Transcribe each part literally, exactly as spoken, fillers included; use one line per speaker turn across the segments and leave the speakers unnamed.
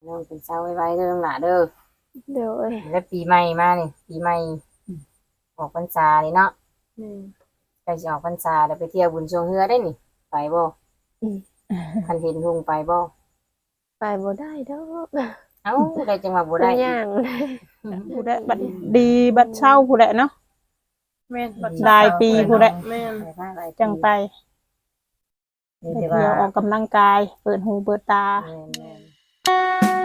น้องเป็นเช้าไว้ๆเด้อน้องหล่ะเด้อ
โดย
แล้วปีใหม่มานี่ปีใหม่ออกพรรษานี่เนาะ
อืม
ใกล้สิออกพรรษาแล้วไปเที่ยวบุญชงเฮือได้นี่ไปบ่
อืม
คันเห็นหุงไปบ่
ไปบ่ได้ดอก
เอ้าได้จังหวะบ่
มั
ได้อีก
นย่าง
ผู้ใดบัดดีบัดเช่าผู้ใดเนาะ
แม่นบัด
รายปีผู้ใด
แม่น
ไปมาหลายปี
จังไป
นี่
ไป
แต่
เที่ยวอ
ว่า
อกกำลังกาย เปิดหูเปิดตา
แม่น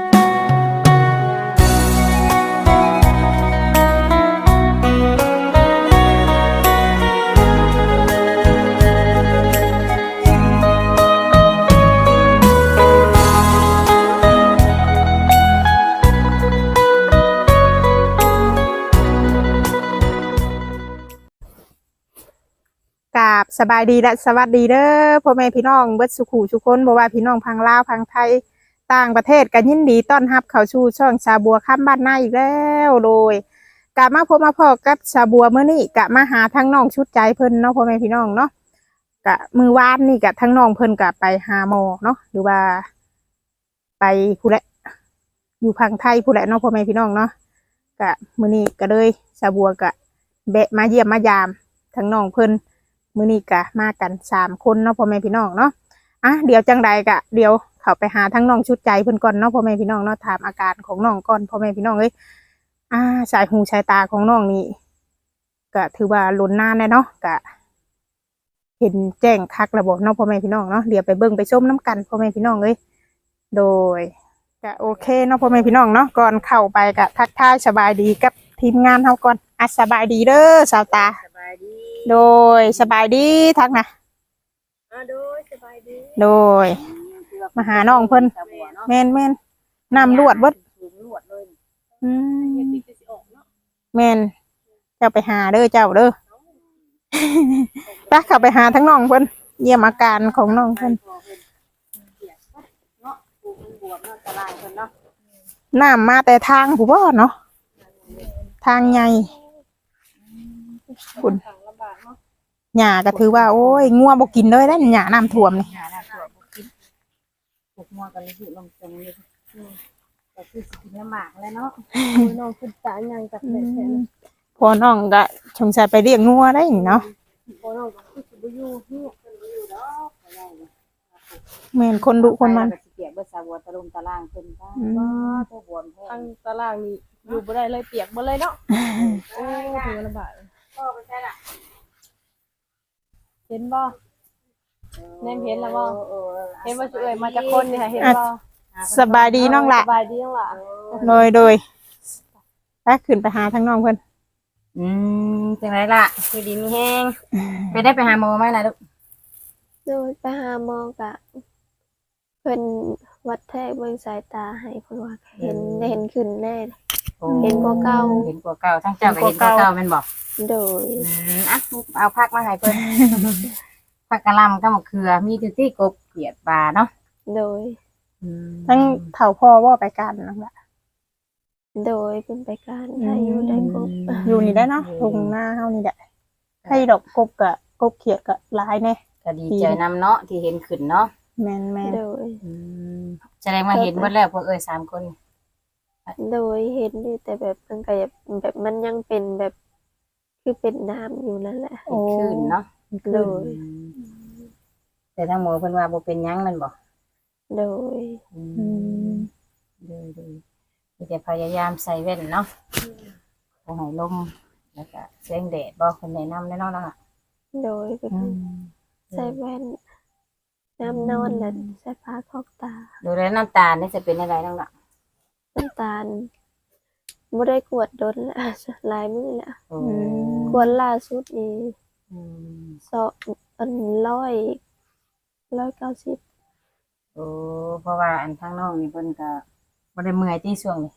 กราบสบายดีและสวัสดีเด้อพ่อแม่พี่น้องเบิดสุขุทุกคนบ่ว่าพี่น้องพังลาวพังไทยต่างประเทศกันยินดีต้อนรับเข้าสู่ช่องชาบัวค่ำบ้านนาอีกแล้วโดยกลับมาพบมาพอกับชาบัวมื้อนี้กะมาหาทั้งน้องชุดใจเพิ่นเนาะพ่อแม่พี่น้องเนาะกะมือวานนี่กะทั้งน้องเพิ่นกะไปหาหมอเนาะหรือว่า ไปผู้ใดอยู่พังไทยผู้ใดเนาะพ่อแม่พี่น้องเนาะกะมื้อนี้ก็เลยชาบัวกะแบะมาเยี่ยมมายามทั้งน้องเพิ่น มื้อนี้กะมากันสามคนเนาะพ่อแม่พี่น้องเนาะอ่ะเดี๋ยวจังใดกะเดี๋ยวเข้าไปหาทั้งน้องชุดใจเพิ่นก่อนเนาะพ่อแม่พี่น้องเนาะถามอาการของน้องก่อนพ่อแม่พี่น้องเอ้ยอ่าสายหูสายตาของน้องนี่ก็ถือว่าลุ้นนานแน่เนาะกะ เห็นแจ้งคักระบบเนาะพ่อแม่พี่น้องเนาะเดี๋ยวไปเบิ่งไปชมน้ำกันพ่อแม่พี่น้องเอ้ยโดยกะโอเคเนาะพ่อแม่พี่น้องเนาะก่อนเข้าไปกะทักทายสบายดีกับทีมงานเฮาก่อนอ่ะสบายดีเด้อสาวตา
สบายดี
โดยสบายดีทักนะ
อ่าโดยสบายดี
โดย มาหาน้องเพิ่น
ชาวบัวเนาะ
แม่นแม่นน้ำลวดเบิด
ถึงลวดเลย
อืม
เฮ็ดปีจะสิออกเนาะ
แม่นเจ้าไปหาเด้อเจ้าเด้อ ไปเข้าไปหาทั้งน้องเพิ่นเยี่ยมอาการของน้องเพิ่น
เนาะปลูกมันบวมเนาะตารางเพิ่นเนาะ
น้ำมาแต่ทางผู้บ่เนาะทางใหญ่คุณ
ทางลำบากเนาะ
หญ้าก็ถือว่าโอ้ยงัวบ่กินเลยได้หญ้าน้ำท่วมนี่
หาหน้าตัวบ่กินปลูกมัวกันเลยสิลงตรงนี้แต่คือสิกินลำบากแล้วเนาะ
โอ้ยน้องขึ้นตายังจากแม่แท้เลย
พอน้องก็สงสัยไปเลี้ยงงัวได้นี่เนาะ
บ่น้องก็คือสิบ่อยู่เฮีย
แม่นคนดุคนมัน
ไปแล้วก็สิเปียกเบิดสาวบัวตะลุมตารางเพิ่นก็
อืม
ว่าตัวบวมแท้
ทางตารางนี่อยู่บ่ได้เลยเปียกบ่เลยเนาะโอ้ยถือว่าลำบาก
พ่อไปใช่ล่ะ
เห็นบ่แนมเห็นแล้วบ่
เออ
เห็นว่าสิเอ่ยมาจากคนนี่ค่ะเห็นบ่
สบายดีน้องละ
สบายดีน้องล่ะ
โดยโดยไปขึ้นไปหาทั้งน้องเพิ่น
อืมจังไรล่ะคือดีมีแห้งไปได้ไปหาหมอไหมล่ะลูก
โดยไปหาหมอกะเพิ่นวัดแทกเบิ่งสายตาให้เพิ่นว่าเห็นเห็นขึ้นแน่ เห็นกว่าเก่า
เห็นกว่าเก่าทั้งเจ้าก็เห็นกว่าเก่าแม่นบอก
โดย
อืมอ่ะเอาพักมาให้เพิ่น ผักกะหล่ำกับมะเขือมีทุกที่กบเกลียดปลาเนาะ
โดย
อืม
ทั้งเฒ่าพ่อว่าไปกันน้องละ
โดยเป็นไปการได้อยู่ได้กบ
อยู่นี่ได้เนาะทุ่งหน้าเฮานี่แหละให้ดอกกบกะกบเขียดกะหลายแน่
ก็ดีใจนำเนาะที่เห็นขึ้นเนาะ
แม่นแม่น
โดย
อืมแสดงว่าเห็นหมดแล้วพวกเอ้ยสามคน
โดยเห็นอยู่แต่แบบมันก็แบบแบบมันยังเป็นแบบคือเป็นน้ำอยู่นั่นแหละ
เห็นขึ้นเนาะ
โดย
อืมแต่ทั้งหมอเพิ่นว่าบ่เป็นหยังแมันบ่
โดย
อื
อื
ม
ม
ดีดีมีแต่พยายามใส่แว่นเนาะบ่ให้ลมแล้วก็แสงแดดบ่คนแนะนำแน่นอนเนาะ
โดยเป็นใส่แว่นน้ำนอนและใส่ผ้าครอบตา
ดูแลน้ำตาลนี่จะเป็นอะไรนั่งล่ะ
น้ำตาลไม่ได้กวดโดนละหลายมื้อละ
โอ้
กวดล่าสุดนี่
อืม
สองอันร้อยร้อยเก้าสิบ
โอ้เพราะว่าอันข้างนอกนี่เพิ่นก็บ่ได้เมื่อยที่ช่วงนี้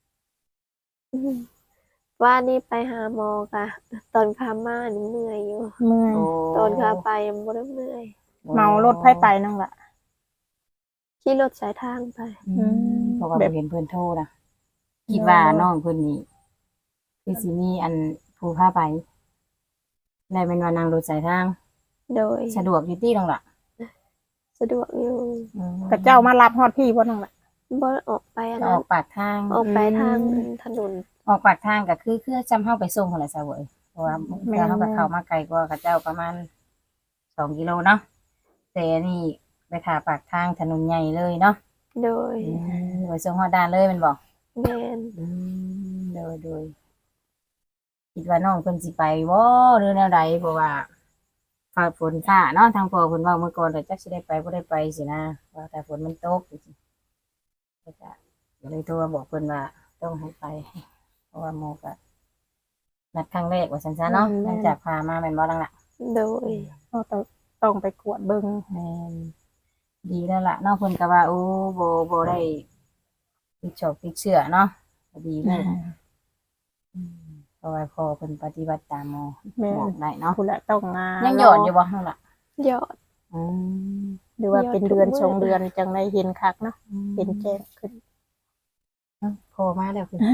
ว่านี่ไปหาหมอกะตอนขามานี่เมื่อยอยู่
เมื่อย
โอ้
ตอนขาไปยังไม่ได้เมื่อย
เมารถไผไปน้องละ
ขี่รถสายทางไป
อืมเพราะว่า
แบบ
บ่เห็นเพิ่นโทรนะคิดว่าน้องเพิ่นนี่คือสิมีอันผู้พาไปได้เป็นว่านั่งรถสายทาง
โดย
สะดวกอยู่ที่นั่งล่ะ
สะดวกอยู่
อืม
กับเจ้ามารับฮอดพี่บ่น้องละ
บ่ออกไปอัน
อ
นั้
อน กปากทาง
ออกไปทางถนน
ออกปากทางก็คือคือจำเฮาไปส่งหั่นแหละซะเว้ยเพราะว่าเพื่อเฮาก็เข้ามาไกลกว่าเขาเจ้าประมาณสองกิโลเนาะแต่อันนี่ไปถ่าปากทางถนนใหญ่เลยเนาะ
โดย
อืมไปส่งฮอดด่านเลยแม่นบ่
แม่น
อืมโดยโดยคิดว่าน้องเพิ่นสิไปบ่หรือแนวใดเพราะว่าฟ้าฝนฟ้าเนาะทางพ่อเพิ่นเว้าเมื่อก่อนแต่จักสิได้ไปบ่ได้ไปสินะว่าแต่ฝนมันตกจังซี่ก็จะก็เลยโทรมาบอกเพิ่นว่าต้องให้ไป เพราะว่าโมก็นัดครั้งแรกว่าซั่นซะเนาะหลังจากพามาแม่นบ่ลังล่ะ
โดย
เราต้องต้องไปกวดเบิ่ง
แม่นดีแล้วล่ะเนาะเพิ่นก็ว่าโอ้บ่บ่ได้ติดชอบติดเชื้อเนาะก็ดีเลยอืมเพราะว่าพอเพิ่นปฏิบัติตามหมอ
แม่
บอกได้เนาะ
ผู้ละต้องงา
ยังหยอดอยู่บ่ข้างล่ะ
ยอด
อืม
หรือว่าเป็นเดือน
ยอดทุกมื้อ
ชงเดือนจังได้เห็นคักเนาะเห็นแจ้งขึ้น
พอมาแล้วคุณ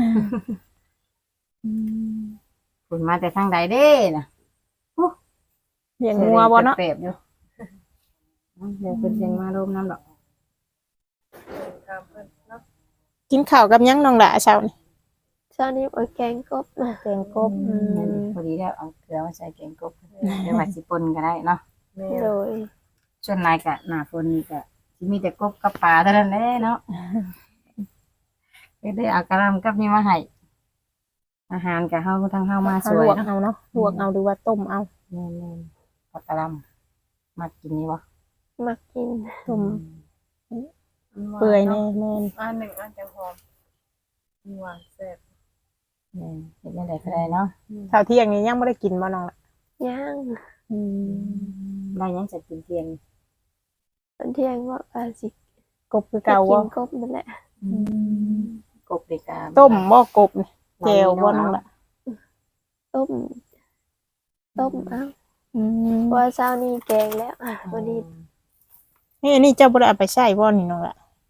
คุณมาแต่ทางใดเด้น่ะ
เลี้ยงงัวบ่เนาะ
เปรียบอยู่เดี๋ยวเพิ่นเสียงมาลมน้ำดอก
ตามเพิ่นเนาะ
กินข้าวกับหยังน้องละเช้านี่
เช้านี้โอ้ยแกงกบนะ
แกงกบ
อืมพอดีแล้วเอาเกลือมาใส่แกงกบเดี๋ยวว่าสิปนก็ได้เนาะ
แม่
โดย
ส่วนหลายก็หน้าฝนนี่ก็สิมีแต่กบกับปลาเท่านั้นแหละเนาะก็ได้เอากระลำกับนี่มาให้อาหารกับเฮาทางเฮามาส
เอา
ว
ล
ยว
ก
เนาะ
เอาเนาะลวกเอาหรือว่าต้มเอา
แม่นๆผักกะหล่ำมากินนี่บ่
มักกิน
ต้มเปื่อยแน่แม่น
อันหนึ่งอันจังหอมหวานแซ่บ
แม่นเฮ็ดจังได๋ก็ได้เนาะ
ข้าวเที่ยงนี้ยังบ่ได้กินบ่น้องละ
ย่าง
อืม
ได้หยังจะกินเที่ยง
ตอนเที่ยงว่าอาสิ
กบคือเก่า
กิ
บ่
นกบนั่นแหละ
กบเด็กา
ต้มบ่กบนี่แจ่วบ่น้องละ
ต้ม ต้มเอ้า
อืม
เพราะว่าเช้านี้แกงแล้วอ่ะวันนี้
นี่อันนี้เจ้าบ่ได้เอาไปใช้บ่นี่น้องละ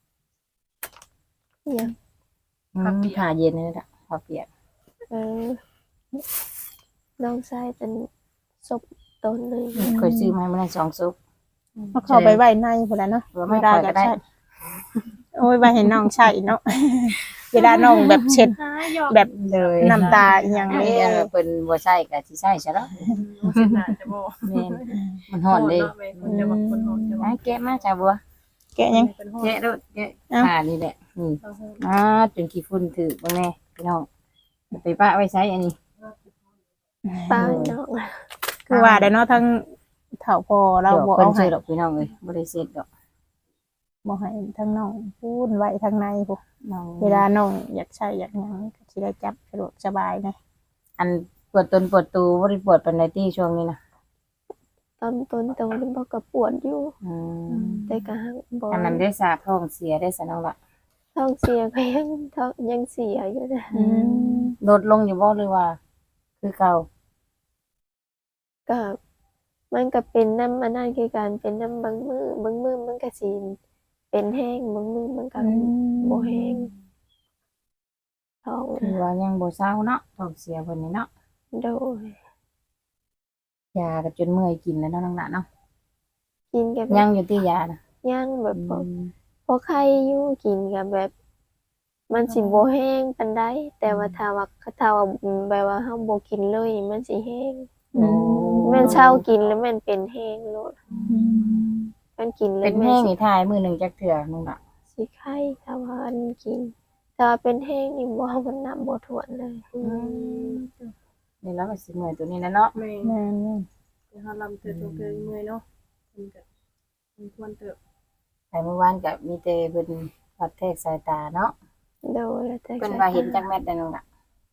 ยัง
อืมผ่าเย็นนี่แหละผ่าเปียก
เออน้องชายเป็นศพต้นเลย
เคยซื้อมาให้มันได้สองซุป
เอาเข้าไปไว้ในพุ่นละเนาะ
หรือไม่ได้ก็ได้
ใช้โอ้ยไว้ให้น้องใช้เนาะ เวลาน้องแบบเช็ด
หาหยอก
แบบ
เลย
น้ำตาอหย่าง
อัน
นี้
นี้เพิ่นบ่ใช้ก็สิใช้ซะเนาะ
เส้นหนาจะบ่
แม่นมันฮ้อนเด้
เนาะแม่คนจะบอกคนหอนจะบอก
ไอ้แกะมาจ้าบัว
แกะยัง
เป็นหอน
แกะโดดแกะ
เอ้า
ผ่านี่แหละนี่
เอาหอน
อ่าจนขี้ฝุ่นถึกเบิ่งแน่พี่น้องไปปะไว้ใช้อันนี้
ป้าน้อง
คือว่าได้เนาะทั้งเฒ่าพอเรา
เดี๋ยว
บ่
เพิ่น
เอาให้
ซื้อดอกพี่น้องเอ้ยบ่ได้เสร็จดอก
บ่ให้ทั้งน้องพูนไว้ทั้งในพุ
น้อง
เวลาน้องอยากใช้อยากหยังก็สิได้จับสะดวกสบายนะ
อันปวดตนปวดตูบ่ได้ปวดปานใดที่ช่วงนี้นะ
ตอนต้นโตนี่บอกกับปวดอยู่
อืม
แต่ก็หักบ่
อันนั้นได้สาท้องเสียได้ซะน้องละ
ท้องเสียก็ยังท้องยังเสียอยู่นะ
อืม
ลดลงอยู่บ่หรือว่า คือเก่า
ก็มันก็เป็นน้ำอันนั้นคือการเป็นน้ำบางมือบางมือมันก็สิเป็นแห้งบางมือมันก็บ่แห้งท้อง
คือว่ายังบ่เศร้าเนาะท้องเสียเพิ่นนี่เนาะ
โดย
ยาก็จนเมื่อยกินแล้วเนาะน้องละเนาะ
กินกับ
ยังอยู่ที่ยานะ
ย่างแบบพอ
อืม
พอไข้อยู่กินกับแบบ มันสิบ่แห้งปานใดแต่ว่าถ้าว่าถ้าว่าแบบว่าเฮาบ่กินเลยมันสิแห้ง
โอ้
แม่นเช้ากินแล้วมันเป็นแห้งโลดมันกินแล้
เป็
วน แม่
แห้ง
สิ
นี่ทายมื้อหนึงจักเทื่อน้องละ
สิไข้ถ้าว่าอันกินถ้าว่าเป็นแห้งนี่บ่มันนับบ่ถ้วนเลย
นี่แล้วก็สิเมื่อยตัวนี้นะเนาะ
แม่
แม่น
คือเฮาลำเติบโตเกินเมื่อยเนาะมันก็มันควรเติบ
แต่เมื่อวานก็มีแต่เพิ่นวัดแทกสายตาเนาะ
โดยแต่
เพิ่นว่าเห็นจักแม่นได้น้องละ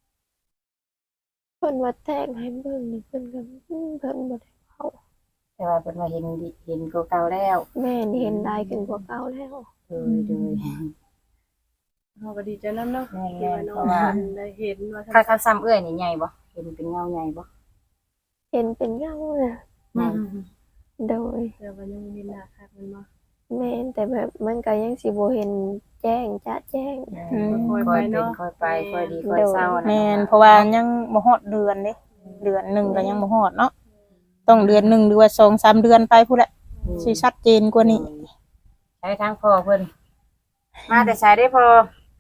เพิ่นว่าแทงให้เบิ่งนี่เพิ่นก็อืมเพิ่นบ่ได้เว้า
แต่ว่าเพิ่นว่าเห็นดิเห็นกว่าเก่าแล้ว
แม่นี่เห็นได้ขึ้นกว่าเก่าแล้ว
เออเดย
เฮาก็ดีใจนำเนาะ
แม่
ที่ว่าน้อง
เพราะว่า
เพิ่นได้เห็นว่า
ค่าค่าซ้ำเอื้อยนี่ใหญ่บ่เห็นเป็นเงาใหญ่บ่
เห็นเป็นเงาน่ะ
ใหญ่
โดย
แต่ว่ายังบ่เห็นหน้าคักมันบ่
แม่นแต่แบบมันก็ยังสิบ่เห็นแจ้งจะแจ้ง
ค่อยเป็นค่อยไปค่อยดีค่อยเศร้านะ
แม่นเพราะว่ายังบ่ฮอดเดือนเด้เดือนหนึงก็ยังบ่ฮอดเนาะต้องเดือนหนึงหรือว่าสองสามเดือนไปพุ่นแหละสิชัดเจนกว่านี้
ใช้ทางพ่อเพิ่นมาแต่ใช้ได้พอ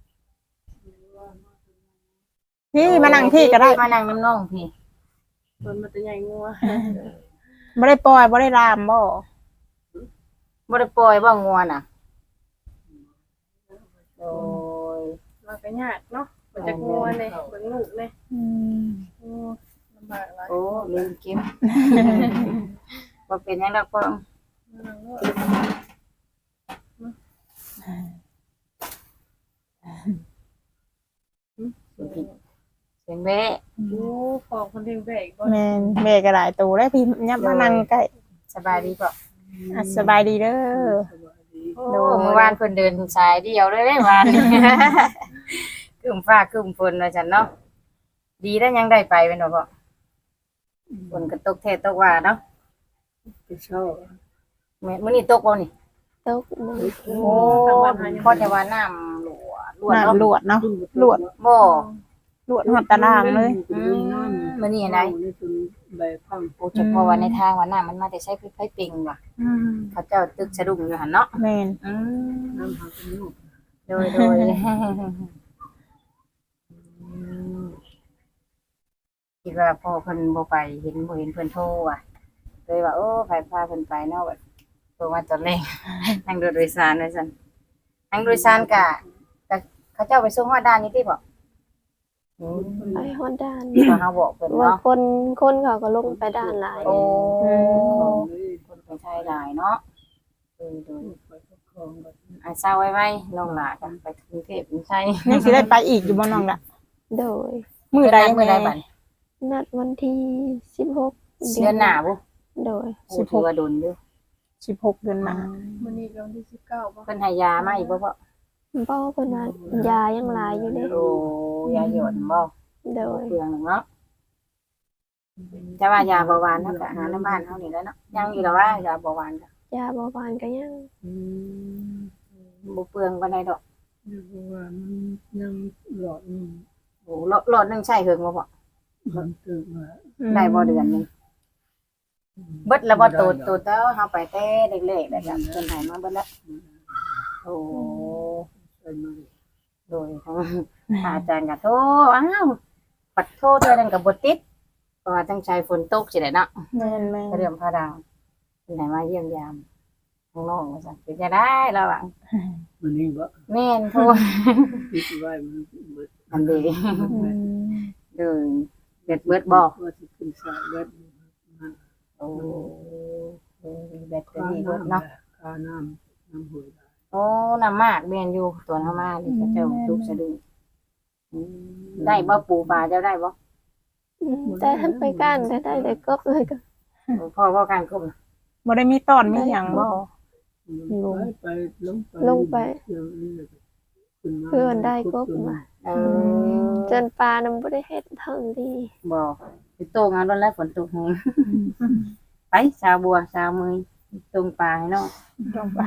พี่มานั่งพี่ก็ได้
มานั่งน้ำน้องพี่
เพิ่นมาแต่ใหญ่งัว
บ่ได้ปล่อยบ่ได้ลามบ่
บ่ได้ปล่อยบ่งัวน่ะโอ้ย
เราก็ยากเนาะเพิ่นจะงัวเลยเบิ่งลูกเลย
อืม
โอ้ลำบากหลาย
โอ้ลืมกิน บ่เป็นหยังดอกพ่อ
นั่งเนาะ
เสียงแวะ
โอ้ฟองคนเลี้ยงแบกบ่
แม่นแม่ก็หลายตัวแล้วพี่ยับมานั่งใกล้
สบายดีป่ะ
อ่ะสบายดีเด้อ
โอ้เมื่อวานเพิ่นเดินสายเดียวเลยเด้วานนี้ ครึ้มฟ้าครึ้มฝนว่าซั่นเนาะดีแล้วยังได้ไปแม่นบ่พ่อฝนก็ตกแท้ตกว่าเนาะแม่มื้อนี้ตกบ่นี่
ตกมือ
โอ้พอแต่ว่าน้ำหลวดลวด
น้ำล
เนาะ
วดเนาะลวด
บ่
ลวดหอดตารางเลย
อืมมื้อนี้อันใด
ใบพัง
โอ้เฉพาะว่าในทางว่าน้ำมันมาแต่ใช้ไฟปิงว่ะ
อืม
เขาเจ้าตึกสะดุ้งอยู่หั่นเนาะ
แม่น
อืม
น้ำหาเป็นลูก
โดยโดยคิดว่าพ่อเพิ่นบ่ไปเห็นบ่เห็นเพิ่นโทรว่ะเลยว่าโอ้ไผพาเพิ่นไปเนาะแบบโทรมาตอนแรก นั่งรถโดยสารว่าซั่นนั่งโดยสารกะกะเขาเจ้าไปส่งฮอดด้านนี้ติบ่อืม
ไปฮอดด้าน
ว่าเฮาบอกเพิ่น
ว่า
เนาะ
คนคนเขาก็ลงไปด้านหลาย
โอ้
ของเลย
คนเป็นชายหลายเนาะเออโดย
ไปของแบบ
อ่ะเศร้าไว้ๆน้องหลากันไปกรุงเทพเป็นไส
ยังสิได้ไปอีกอยู่บ่น้องล่ะ
โดย
มื้อใด
มื้อใดบัด
นัดนี้วันที่สิบหก
เดือนหน้าบ่
โดย
โอ้ถือว่าโดนอยู่
สิบหกเดือนหน้า
มื้อนี้ก็วันที่สิบเก้าบ่
เพิ่นให้ยามาอีกบ่พ่อ
พ่อเพิ่นว่ายายังหลายอยู่เด้
โอ้ยาหยดบ่
โดย
เปลืองหนึ่งเนาะแต่ว่ายาเบาหวานเฮาก็หาในบ้านเฮานี่แหล้วเนาะยังอยู่แล้วว่ายาเบาหวานก็
ยาเบาหวานก็ยัง
บ่เปลืองปานใดดอก
เรียกว่ามันยังหลอดนี่
โอ้หลอดหลอดหนึงใช้เฮิงบ่พ่อ
มันตื่นมา
ได้บ่เดือนหนึงเบิดแล้วบ่โตโตเต้าเฮาไปแต่เล็กๆแล้วก็เพิ่นให้มาเบิดแล้วโอ้
ใส่มา
โดยทางอาจารย์ก็โทรอ้าวปัดโทรเทื่อนั้นก็บ่ติดเพราะว่าตั้งใจฝนตกสิได้เนาะ
แม่นแม่น
เรื่องพระดาวเป็นไหนมาเยี่ยมยามข้างนอกว่าซั่นเป็นจะได้ระหว่าง
มันนี่ว่า
แม่นโทร
คิดไว้มันเบิด
อันเดี
อืม
เดินเบ็ดเบิดบอก
ว่าสิขึ้นสายเบิด
โอ้แบตเตอ
ค่า
รี่เบิด
น้ำ
เนาะ
ค่าน้ำน้ำหวย
โอ้น้ำมากเบียนอยู่ตัวน้ำมากนี่ก็เจ้าทุกสะดุ้งอืมได้บ่ปูปลาเจ้าได้บ่
อืมแต่ท่านไปก้านก็ได้แต่กบเลยก็
พ่อพ่อการกบ
บ่ได้มีตอนมีหยังบ่
ไปไปลงไป
ลงไป
เดี๋ยวนี้ขึ้นมา
เพื่อนได้กบมา
เออ
จนปลานํบ่ได้เฮ็ดเท่าดี
บ่ไปโตงเอาโดนแล้วฝนตกแฮงไปชาวบัวชาวมือตรงปลาให้เนาะ
ต้องไป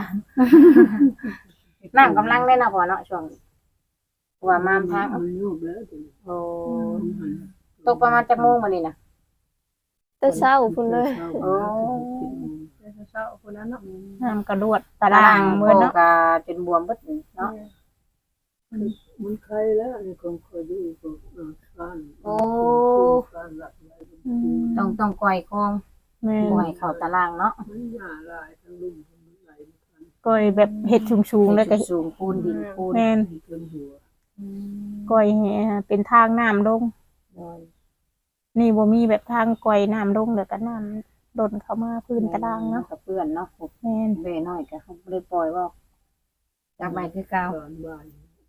น้ำกำลังได้เนาะพ่อเนาะช่วงว่ามามทาง
มันยุบแล้ว
โอ้ตกประมาณจักโมงมื้อนี้น่ะ
แต่เช้าพุ่นเลย
โอ้
แต่เช้าๆคนนั้นเนาะ
น้ำกระดวดตารางมื้อเนาะ
ก็จนบวมเบิดเนาะ
มันใครแล้วในกองคอยดูก็ซ่าน
โอ้
ซ่านหลักไหล
อืม
ต้องต้องก่อยคอง
แม่น
บ่ให้เข้าตารางเนาะ
มันหยาลายทั้งลุ่มทั้งไหลทั้ง
ก้อยแบบเฮ็ดชุงๆแล้วก็
สูงปูนดินปูน
แม่น
เกินหัว
ก้อยแหเป็นทางน้ำลง
โดย
นี่บ่มีแบบทางก้อยน้ำลงแล้วก็น้ำดนเข้ามาพื้นตารางเนาะ
กับเพื่อนเนาะ
แม่น
เบ้น้อยก็เขาบ่ได้ปล่อยว่าจับไปคือเก่า
ตอนบ่าย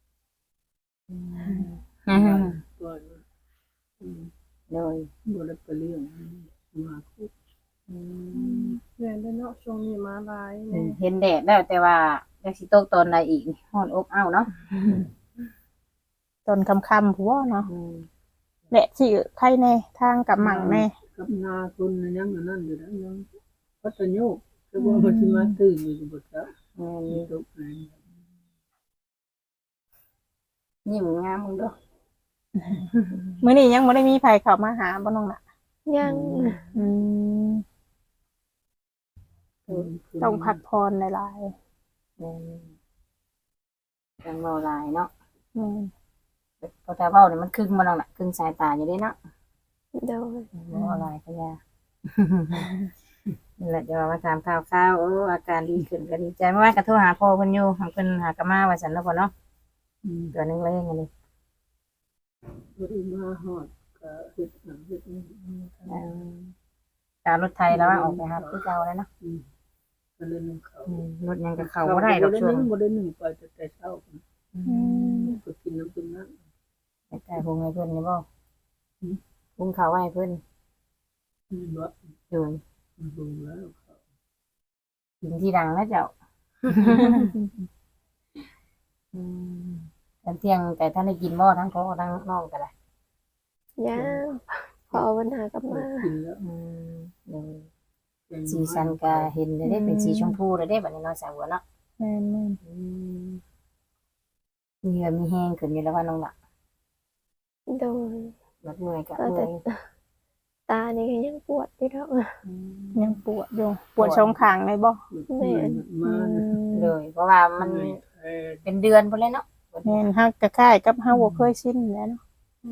อืม
ก่อน
โดย
บ่ได้ไปเลี้ยงมาคุก
อืม
แม่นเด้อเนาะช่วงนี้มาหลายแม่
เห็นแดดแล้วแต่ว่าจักสิตกตอนใดอีกฮ้อนอบอ้าวเนาะ
ตอนค่ำๆผัวเนาะ
อืม
แหละสิใครแน่ทางกับหมั่งแน่
กับนาคนยังอันนั้นอยู่แล้วยังพัฒโยกแต่ว่ามันสิมาตื่นอยู่บ่จัก
แม่น
มีตกไหน
ยิ้มงามมึงเด้อ
มื้อนี้ยังบ่ได้มีไผเข้ามาหาบ่น้องล่ะ
ยัง
อืมต้องพักผ่อนหลาย
แม่นจังเว้าหลายเนาะ
แม่น
พอแต่เว้านี่มันครึ่งบ่น้องน่ะครึ่งสายตาอยู่เด้เนาะ
โดย
เว้าหลายก็ยา นี่แหละจะว่ามาถามข่าวๆโอ้อาการดีขึ้นก็ดีใจเมื่อวานก็โทรหาพ่อเพิ่นอยู่เพิ่นหากะมาว่าซั่นเนาะพ่อเนาะ
อืม
เดือนหนึงเลยอันนี้
บ่ได้มาฮอดก็เฮ็ดหยังเฮ็ดนี่
เอ่อการรถไทยแล้วว่าออกไปหาคือเก่าแล้วเนาะ
อืมก็เลยนึ่งข้าว
อืมรถยังก็เข้าบ่ได้ดอกช่วง
บ่ได้นึ่งไปแต่แต่เช้าพุ่น
อืม
ก็กินน้ำกินน้ำ
แต่แต่พุงให้เพิ่นนี่บ่พุงข้าวไว้ให้เพิ่น
นี่บ่
อยู่
มันเบิ่งแล้วเขา
กินที่ดังนะเจ้า อืมตอนเที่ยงแต่ท่านได้กินบ่ทั้งพ่อทั้งน้องก็ได้
ย่างพอวันหากลับมา
กินแล้ว
อืมเดี๋ยว
แกง
สีสันก็เห็นได้เป็นสีชมพูได้บัดนี้เนาะสาวบัวเนาะ
แม่นแม่น
อืมมีเหงื่อมีแห้งขึ้นอยู่แล้วว่าน้องล่ะ
โดย
รถเมื่อยก็
ก็
เมื่
แต่
อย
ตานี่ก็ยังปวดอยู่แล้ว
อืม
ยังปวดอยู่ปวดช่องข้างเลยบ่
แม่น
มา
เลยเพราะว่ามัน
เอ่อ
เป็นเดือนพุ่นเลยเนาะ
แม่นฮักก็คล้ายกับเฮาบ่เคยชินแหล้วเนาะ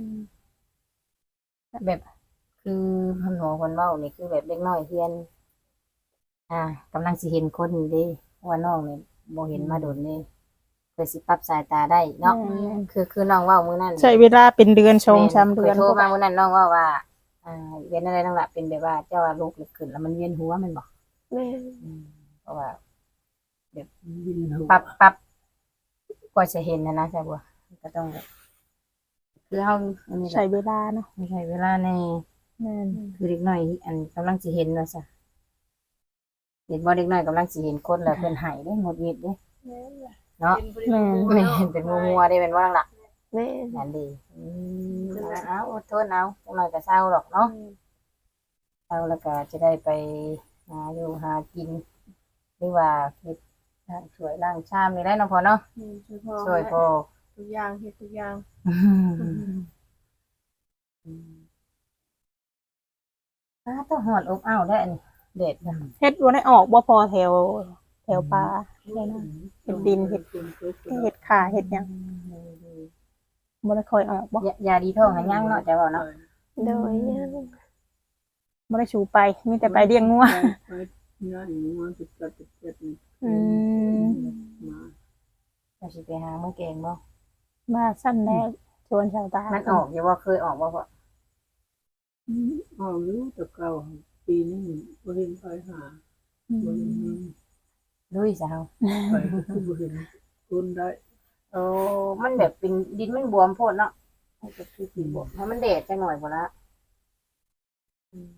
แบบคือเพิ่นบอกเพิ่นเว้านี่คือแบบเด็กน้อยเฮียน อ่ากำลังสิเห็นคนนี่เด้เพราะว่าน้องนี่บ่เห็นมาโดนนี่เพื่อสิปรับสายตาได้เนาะคือคือน้องเว้ามื้อนั้น
ใช้เวลาเป็นเดือนชงสาม
แม่
เดือน
คยโทรมามื้อนั้นน้องเว่าว่า อ่าเวียนอะไรนั่นล่ะเป็นแบบว่าเจ้าว่าลูกลึกขึ้นแล้วมันเวียนหัวแมันบ่
แม่น
อืมเพราะว่า
วินหัว
ปรับปรับกว่าจะเห็นนะนะใช่บัวก็ต้องแบบคือเฮาอันนี้แห
ใช้
ละ
เวลาเนาะ
ไม่ใช่เวลาใน
แม่น
คือเด็กน้อยอันกำลังสิเห็นว่าซะเด็กบ่เด็กน้อยกำลังสิเห็นคนแล้วเพิ่นให้เด้หงุดหงิดเด้เนาะ
แม่น
แม่นเป็นงัวๆได้เป็นว่าล่ะ
แม่น
นั่นดีอืมเอาอดทนเอาจักหน่อยก็เศร้าหรอกเนาะเศร้าแล้วก็จะได้ไปหาอยู่หากินหรือว่าเฮ็ดช่วยล้างชามนี่ได้เนาะพ่อเนาะ
ช่วยพ่อ
ช่วยพ่อ
ทุกอย่างเฮ็ดทุกอย่าง
อ้าต้องหอดอบอ้าวได้อันนี้เด็ดนะ
เฮ็ดบ่ได้ออกบ่พอแถวแถวป่าได้นะเฮ็ดดินเฮ็ดเฮ็ดขาเฮ็ดหยังบ่ได้ค่อยออกบ่
ยายาดีท้องให้ย่างเนาะจะว่าเนาะ
โดยยัง
บ่ได้ชูไปมีแต่ไปเลี้ยงงัว
ไปง่ายงัวจุดจัดจุดจัดนี่
อืม
มา
เราสิไปหาเมื่อแกงบ่
มาสั้นแรกชวนชาวตา
มันออกอยู่ว่าเคยออกบ่พ่อ
เอาอยู่แต่เก่าปีนี้บ่เห็นไปหา
อื
บ่เห็น
ม
มี
ลุยซะเฮา
ไปก็บ่เห็นคนได้
โอ้มันแบบเป็นดินมันบวมโพดเนาะมันก็คือสิบวมถ้ามันแดดจังหน่อยพุ่นละอืม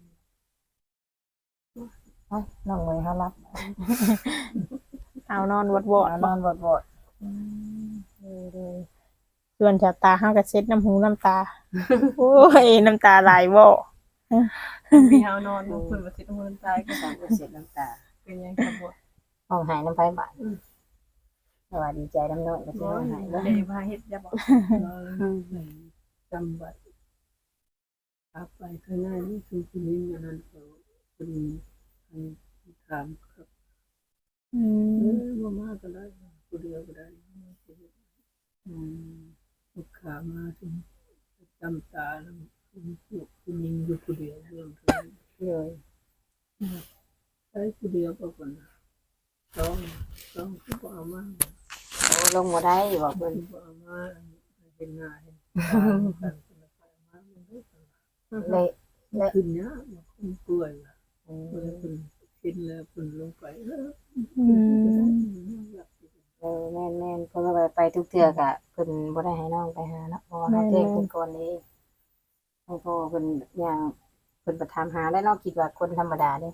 เอ้าน้องเมย์เฮารับ
เอานอนวอดวอด
เอา
บ่
นอนบดๆอืมเด้อ
ชวนชาวตาเฮาก็เช็ดน้ำหูน้ำตา โอ้ยน้ำตาไหลบ่
มีเฮานอนอยู่เพิ่นบ่สิต้องเงินตายก็
ๆสามเสร็จน้ำตา
เป็นหยังครับบ่
ห้องหายน้ำไฟบาดสวัสดีใจน้ำน้อยก็สิห้องหาย
บ่
เด้อ
ได้พาเฮ็ดอย่าบอก
จำบัตรอาไปข้างหน้านี่คือคนนี้อันนั้นเขาเป็นอันถามครับ
อื
เอ
ม
อบ่มาก็ได้ผู้เดียวก็ได้อืมลูกค้ามาถึงจำตาแล้วคุณผู้คุณยิงอยู่ผู้เดียวเรื่องเท่านั้น
เลย
ใช้ผู้เดียวก็คนต้องต้องคือบ่เอามา
โอ้ลงบ่ได้บอก
เพิ่
เพิ่
น
น
บ่เอามาเห็นหน้าเห็นตากันคนละไปมามันได้ตลอด
เลย
ขึ้นเนี้ยมันคนป่วยล่ะ
อื
เพิ่น
ม
เพิ่นกินแล้วเพิ่นลงไปเออ
อืม
เออแม่นแม่นเพิ่นก็ไปไปทุกเทื่อก็เพิ่นบ่ได้ให้น้องไปหาเนาะเพราะว่าเฮาแจ้งเพิ่นก่อนนี้ให้พ่อเพิ่นย่างเพิ่นไปถามหาแล้วเนาะคิดว่าคนธรรมดาเด้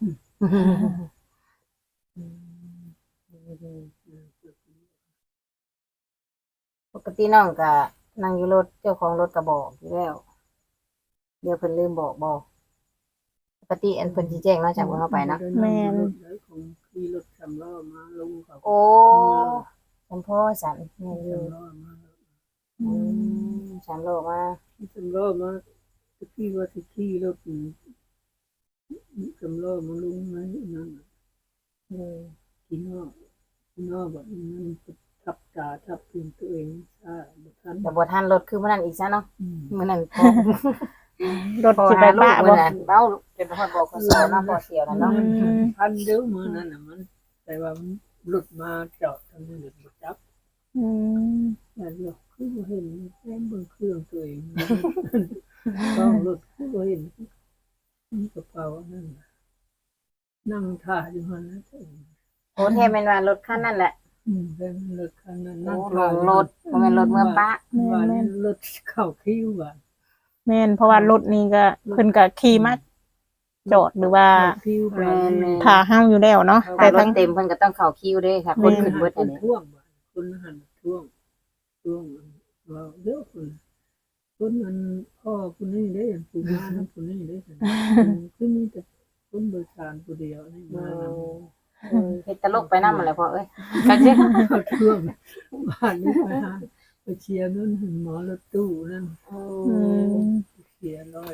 อืมปกติน้องก็นั่งอยู่รถเจ้าของรถก็บอกอยู่แล้วเดี๋ยวเพิ่นลืมบอกบ่ปกติอันเพิ่นสิแจ้งเนาะจากว่าเฮาไปเนาะ
ของขี่รถสำล้อมาลงเขา
โอ้จำพ่อสันแม่นอยู่
สำล้อมา
อืมสามโลมา
สำล้อมาตะกี้ว่าสิขี่รถสำล้อมาลงไหนนั่น
อืม
กินนอกกินนอกแบบนั้นททับตาทับพื้นตัวเองอ่าบ่ทัน
แต่บ่ทันรถคือมื้อนั้นอีกซะเนาะ
อืม
มื้อนั้นพอ
รถ
พอ
สิไป
หาลู
บ้าก
มื้
บ่
อนั้นเบ้าจนฮอดบอกเขาสอนเนาะพอเสียวแล้วเนาะ
อืม
พันเดียวมือนั่นน่ะมัน แต่ว่ามันหลุดมาจอดทางนี้หลุดมาจับ
อืม
แต่เดี๋ยวคือบ่เห็นแม่เบิ่งเครื่องตัวเองต้องหลุดคือบ่เห็นมีกระเป๋านั่นน่ะนั่งท่าอยู่หั่นนะ
โอ้แท้แม่นว่ารถคันนั้นแหละ
อืมเป็นรถคันนั้น
โอ้
นั่ง
ล
ท่าง อยู่
รถบ่แม่นรถเมื่อปะ
ว่านี่รถเข้าคิวว่า
แม่นเพราะว่ารถนี้ก็เพิ่นก็ขี่มาจอดหรือว่า
เข้าคิวว่านี่
ถ้าเฮาอยู่แล้วเนาะ
ถ้า
แต่
รถ
ทั้ง
เต็มเพิ่นก็ต้องเข้าคิวเด้ค่ะ คนขึ้นเบิด
ค
อัน
น
นี้
ท่วงว่าคนหันท่วงท่วงว่าเด้อคนคนมันพ่อคนนี้เด้อผู้มานํคนนี้เด้อคือมีแต่คนโดยสารผู้เดียวนี่
อื
มาม
เออเฮ็ดตลกไปนำนั่นแหละพ่อเอ้ยก็สิ
เขาท่วงบ้านนี้ไปหาไปเชียร์นั่นหมอรถตู้นั่น
อืม
เชียร์ร้อย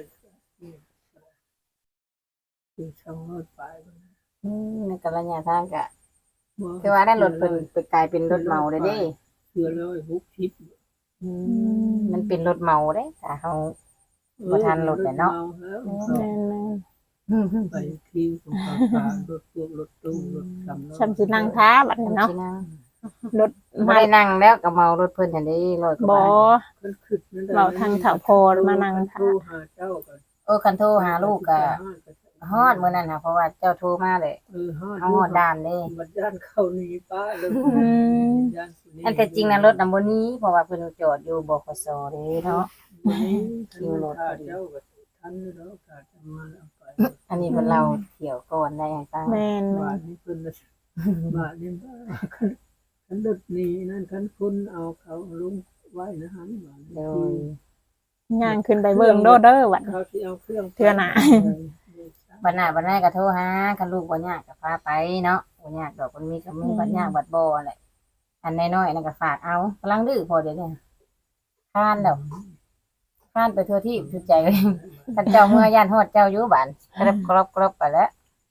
คือช่องรถไป
อืมในกระยะทางก็คือว่าได้รถเพิ่นไปกลายเป็นรถเหมาเลยเด้
เชื่อร้อยบุกทิพย์
อืมมันเป็นรถเหมาเด้ถ้าเฮา บ่ทันรถแหละเนาะ
แม่น
ไปคิวของทางการรถพวกรถตู้รถสำ
ๆ
ล้อ
ฉันสินั่งท้าบัดนี้เนาะ
สินั่ง
รถ
บ่ได้นั่งแล้วก็เมารถเพิ่นหั่นเด้ร้อยกว่า
บ่
บาท
มันขึ้นนั่น
เราทางเขาพอมานั่งท้า
ตู้หาเจ้ากัน
โอ้คันโทรหาลูกก็ฮอดมื้อนั้นค่ะเพราะว่าเจ้าโทรมาเลย
เออฮอด
เฮาฮอดด่านเด้
บัดย่านเข้านี่ป้าเลย
อืม
ย่านผู้นี้
อันแต่จริงนะรถน่ะบ่หนี้เพราะว่าเพิ่นจอดอยู่บขสเด้เนาะ
วันนี้คิวรถเจ้าก็ทันแล้วก็จะมาเอาไป
อันนี้เพิ่นเราเที่ยวก่อนได้ให้ฟัง
แม่น
บาทนี้เพิ่นบาทนี้คันรถนี้นั่นคันคนเอาเขาลงไว้นะฮะบาท
โด
นี้
ๆย่างขึ้นไปเบิ่งโดดเด้อบัด
เขาสิเอาเครื่อง
เทื่อหน้า
บัดหน้าบัดหน้าก็โทรหาคันลูกบ่ยากก็พาไปเนาะบ่ยากดอกมันมีก็มีบัดยากบัดบ่แหละอันน้อยๆนั่นก็ฝากเอากำลังดื้อพอเดี๋ยวนี้คานแล้วคานไปทั่วที่ทั่วใจเลยท่านเจ้าเมื่อย่านฮอดเจ้าอยู่บ้านกรับกรอบกรอบไปแล้ว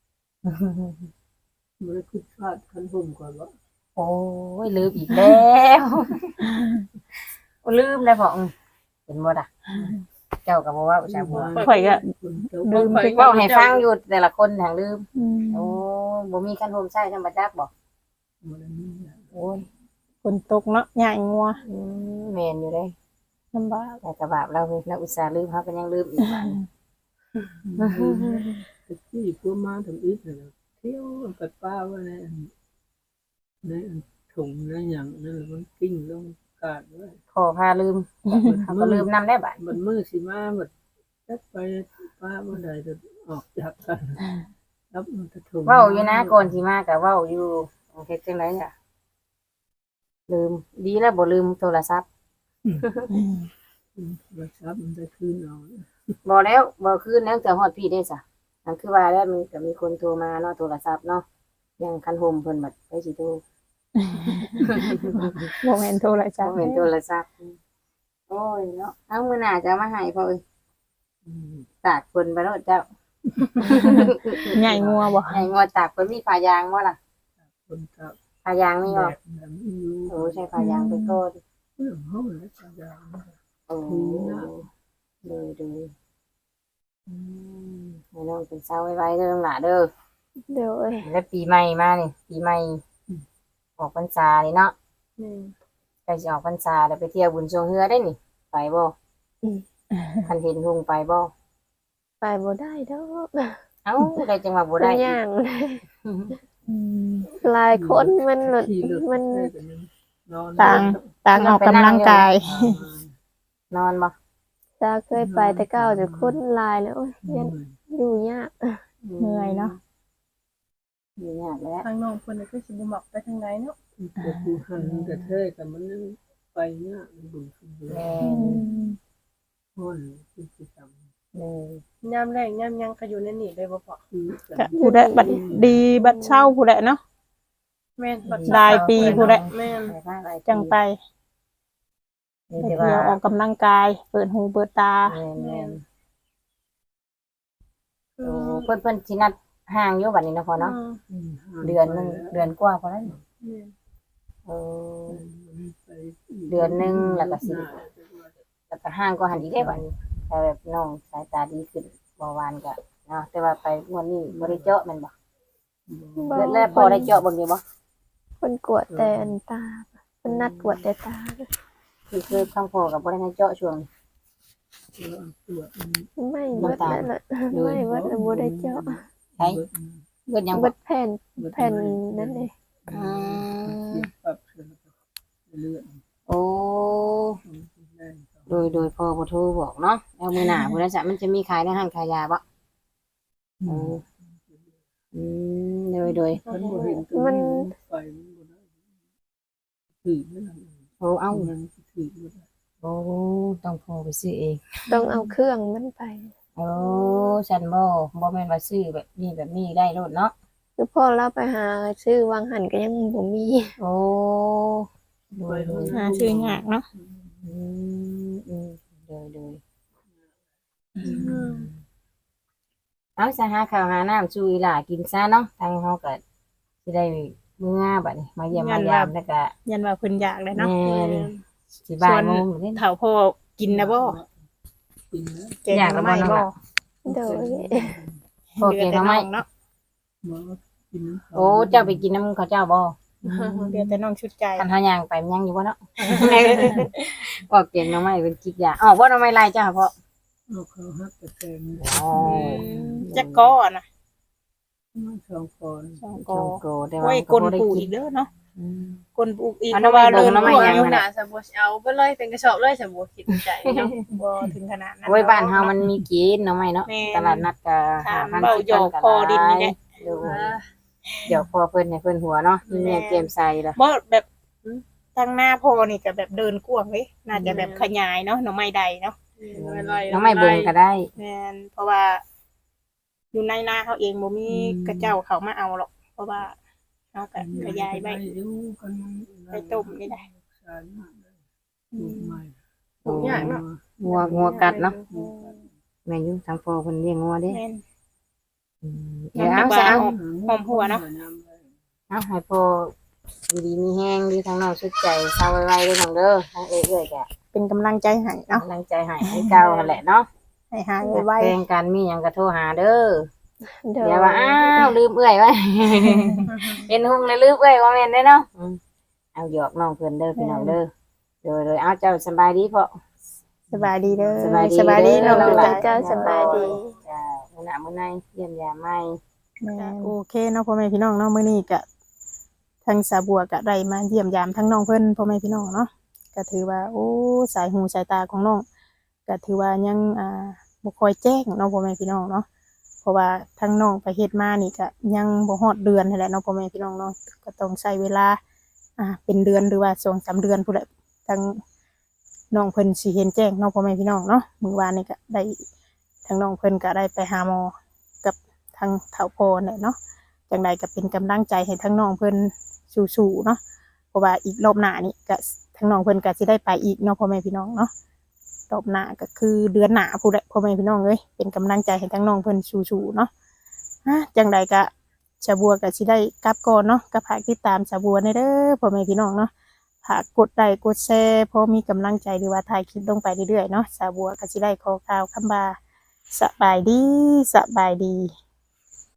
บ่ได้คิดพลาดคันผมก่อนว่า
โอ้ยลืมอีกแล้วลืมแล้วพ่ออืมเห็นบ่ล่ะเจ้าก็บ่ว่าชาวบัว
ข่อยก็
ลืม
เว้าให้ฟังอยู่แต่ละคนทางลืม
อืม
โอ้บ่มีคันโฮมใช้ธรรมจักบ่
บ่ได้มีนะ
โอ้ย
ฝนตกเนาะย่างงัว
อืมแม่นอยู่เด้
ลำบาก
แต่กระบาปเราเฮ้ยเราอุตส่าห์ลืมเฮาก็ยังลืมอีกบาด
ที่พวกมาทำอีกน่ะเที่ยวไปป้าว่าในในถุงในหยังนั่นมันกิ้งลงกาดไว้
ขอพาลืมเฮาก็ลืมนำได้บาด
มันมือสิมาบัดจักไปป้าบ่ได้จะออกจากกันรับมันจะถุง
เว้าอยู่นะก่อนสิมาก็เว้าอยู่เฮ็ดจังไดอ่ะลืมดีแล้วบ่ลืมโทรศัพท์
มันซับมันจะคืนเอา
บ่แล้วบ่คืนแล้วแต่ฮอดพี่ได้ซะนั่นคือว่าแล้วมันก็มีคนโทรมาเนาะโทรศัพท์เนาะยังคันโฮมเพิ่นบัดไปสิโทร
บ่แม่นโทรศัพ
บ่
ท์
เป็นโทรศัพท์โอ้ยเนาะเอามื้อหน้าจะเอามาให้พ่อเอ้ย
อืม
ตากฝนไปโลดเจ้า
ใหญ่งัวบ่
ให้งอตากฝนมีผ้ายางบ่ล่ะ
คนกับ
ผ้ายางมี
แบ
บ่
บนั้นอยู่
โอ้ใช่ผ้ายางไปก่อน
เรื่องเฮาแล้วจะยาว
โอ้เลยดูอืมให้น้องเป็นเช้าไว้ๆเด้อน้องหล่าเด้อ
เดี๋ยวเอ้ย
แล้วปีใหม่มานี่ปีใหม่ออกพรรษานี่เนาะ
นี่
ใกล้สิออกพรรษาแล้วไปเที่ยวบุญทรงเฮือได้นี่ไปบ่คันเห็นหุงไปบ่
ไปบ่ได้ดอก
เอ้าได้จังหวะบ่
มัน
ได้
ย่าง
อืม
หลายคนมันหลุด
ขี่รถ
มัน
ได้กันนึงนอน
ต่าง ต่างออกกำลังกาย
นอนบ่
ตาเคยไปแต่เก้าจะคนหลายแล้วโอ้ยยันอยู่ยาก
เหนื่อยเนาะ
อยู่ยากแล้ว
ทางน้องเพิ่นน่ะคือสิบ่มักไปทางใดเนาะ
แต่ผู้หันแต่เท่แต่มันไปเนี่ยมันบุญคุณบุญ
แม่
อืม
ห้อนคือสิจำ
เลย
ยามแรงยามหยังก็อยู่ในนี่ได้บ่พอ
คือ
ก็ผู้ใดบัดดีบัดเช่าผู้ใดเนาะ
แม่นบัด
หลายปีผู้ใด
แม่น
ไปบ้านหลายปี
จังไป
นี่
ไป
แต่
เที่
ว่า
ยวออกกำลังกาย เปิดหูเปิดตา
แม่นแม่น
คื
โอ้
อ
เพิ่นเพิ่นสินัดห่างอยู่บัดนี้เนาะพอเนาะ
อืม
เดือนหนึงเดือนกว่าพอแล้วนี่
แม่น
เออ
ไป
เดือนหนึ่งแล้วก็สิ แล้วก็ห่างก็หันอีกได้บัดนี้แต่แบบน้องสายตาดีขึ้นเมื่อวานก็เนาะแต่ว่าไปงวดนี้บ่ได้เจาะแม่นบ่
บ่
แล้วแล้วพอได้เจาะเบิ่งอยู่บ่
คนกวดแต่อันตาเพิ่นนัดกวดแต่ตา
คือคือข้างพอก็บ่ได้ให้เจาะช่วง
ตรวจ
ไม่เบิดนั่นน่ะไม่เบิดแล้วบ่ได้เจาะ
ใช่เบิดยัง
เบิ
บ่
ดแผ่นแผ่นนั่นเอง
อืม
ปรับเลือด
โอ้โดยโดยพอบ่โทรบอกเนาะแล้วมื้อหน้าพุ่นน่ะจ้ะมันจะมีขายในห้างขายยาบ่เอออืมโดยโดย
มัน
ไปมันบ่ได้ถือไม่ได้
โอ้เอ้า
มันถือไม่ได้
โอ้ต้องพอไปซื้อเอง
ต้องเอาเครื่องมันไป
โอ้ฉันบ่บ่แม่นว่าซื้อแบบนี้แบบนี้ได้โลดเนาะ
คือพ่อเราไปหาซื้อวางหันก็ยังบ่มี
โอ้โดยโดย
หาชื่อยากเนาะ
อืมอืมโดยโดยเอาจะหาข้าวหาน้ำชูอีหล่ากินซะเนาะทางเฮาก็สิได้เมื่อบัดนี้มาเยี่ยมมายามแล้วก็
ยันว่าเพิ่นอยากเลยเนาะ
แม่นสิบ่ายโมงนี่
เฒ่าพ่อกินนะบ่
กินแล้ว
แกงหน่อไม้บ่
โดย
โอเคเนาะไหม
เนาะ
หมอกินน้ำ
โอ้เจ้าไปกินน้ำเขาเจ้าบ่
เดี๋ยวแต่น้องชุดใจ
คันเฮาย่างไปมันยังอยู่บ่เนาะบอกเก่งเนาะไหมเป็นกิกยาอ๋อบ่เนาะไหม่ลายจ้าเพาะ
เอาเขาฮักตะแกง
อ๋อ
จักก้อนะ
สองคน
สอง
โก
ก้อ
โกแต่ว่า
โอ้ย
ก็
กล
บ่ได้
ปู
กิ
อี
น
กเด้อเนาะ
อืม
กลปูอีก
อัน
เพ
นั้น
ราะว่า
ไม่เบิ่
เดิ
ง
น
เนาะไม่
กวาง
ยัง
อยู่
ห
นะ
นาสมบูรณ์เอาไปเลยเป็นกระสอบเลยสมบูรณ์คิดใจเนาะ
บ่ถึงขนาดนั้น
โอ้ยบ้านเฮามันมีกินเนาะไหมเนาะ
แม่น
ตลาดนัดก็
ถาม
ห้าพัน
เบา
สิบ
หยอก
พัน
พอดินนี่แหละ
เดี๋ยวเดี๋ยวพอเพิ่นให้เพิ่นหัวเนาะมีแม่เกมใส่ละ
บ่แบบทางหน้าพ่อนี่ก็แบบเดินกว้างเว้ยน่าจะแบบขยายเนาะหน่อไม้ใดเนาะ
น้องไม่เบิ่งก็ได้
แม่นเพราะว่า อยู่ในนาเขาเองบ่มีกระเจ้าเขามาเอาหรอก เพราะว่าเฮาก็ขยายไว้ไปต้มนี่ได้
ปลูกใหญ่เนาะ
งัวงัวกัดเนาะแม่นอยู่ทางพ่อเพิ่นเลี้ยงงัวเด้
แม่น
อืมเดี๋ยวเอาซะเอา
หอมหัวเนาะ
เอาให้พ่ออยู่ดีมีแห้งดีทางน้องสุดใจเศร้าไว้ๆเด้อน้องเด้อทางเอ้ยๆก็
เป็นกำลังใจให้เนาะ
กำลังใจให้ให้เก่าหั่นแหละเนาะ
ให้หายไว
แข่งกันมีหยังก็โทรหาเด้อ
โดย
อย่าว่าอ้าวลืมเอื้อยไว้ เป็นหุ่งเลยลืมเอื้อยว่าแม่นได้เนาะอืมเอาหยอกน้องเพิ่นเด้อพี่น้องเด้อโดยโดยเอาเจ้าสบายดีเพาะ
ๆสบายดีเด้อ
สบายดี
สบายดี
เด้
น้
อ
อง
น้อง
จุ๊
หล
ใจ
เจ้าสบายดี
จ้ามื้อหน้ามื้อในเยี่ยมยามใหม่
โอเคเนาะพ่อแม่พี่น้องเนาะมื้อนี้ก็ทางสาบัวก็ได้มาเยี่ยมยามทั้งน้องเพิ่นพ่อแม่พี่น้องเนาะก็ถือว่าโอ้สายหูสายตาของน้องก็ถือว่ายังอ่าบ่ค่อยแจ้งเนาะพ่อแม่พี่น้องเนาะเพราะว่าทั้งน้องไปเฮ็ดมานี่ก็ยังบ่ฮอดเดือนนั่นแหละเนาะพ่อแม่พี่น้องเนาะก็ต้องใช้เวลาอ่าเป็นเดือนหรือว่าสองสามเดือนพุ่นแหละทั้งน้องเพิ่นสิเห็นแจ้งเนาะพ่อแม่พี่น้องเนาะมื้อวานนี่ก็ได้ทั้งน้องเพิ่นก็ได้ไปหาหมอกับทางเฒ่าพ่อเนี่ยเนาะจังใดก็เป็นกำลังใจให้ทั้งน้องเพิ่นสู้ๆเนาะเพราะว่าอีกรอบหน้านี่ก็ทั้งน้องเพิ่นก็สิได้ไปอีกเนาะพ่อแม่พี่น้องเนาะรอบหน้าก็คือเดือนหน้าพู้นแหละพ่อแม่พี่น้องเอ้ยเป็นกำลังใจให้ทั้งน้องเพิ่นสู้ๆเนาะฮะจังใดก็ชาบัวก็สิได้กลับก่อนเนาะก็ฝากติดตามชาบัวในเด้อพ่อแม่พี่น้องเนาะฝากกดไลค์กดแชร์เพราะมีกำลังใจหรือว่าถ่ายคลิปลงไปเรื่อยๆเนาะชาบัวก็สิได้ขอกล่าวคำบาสบายดีสบายดี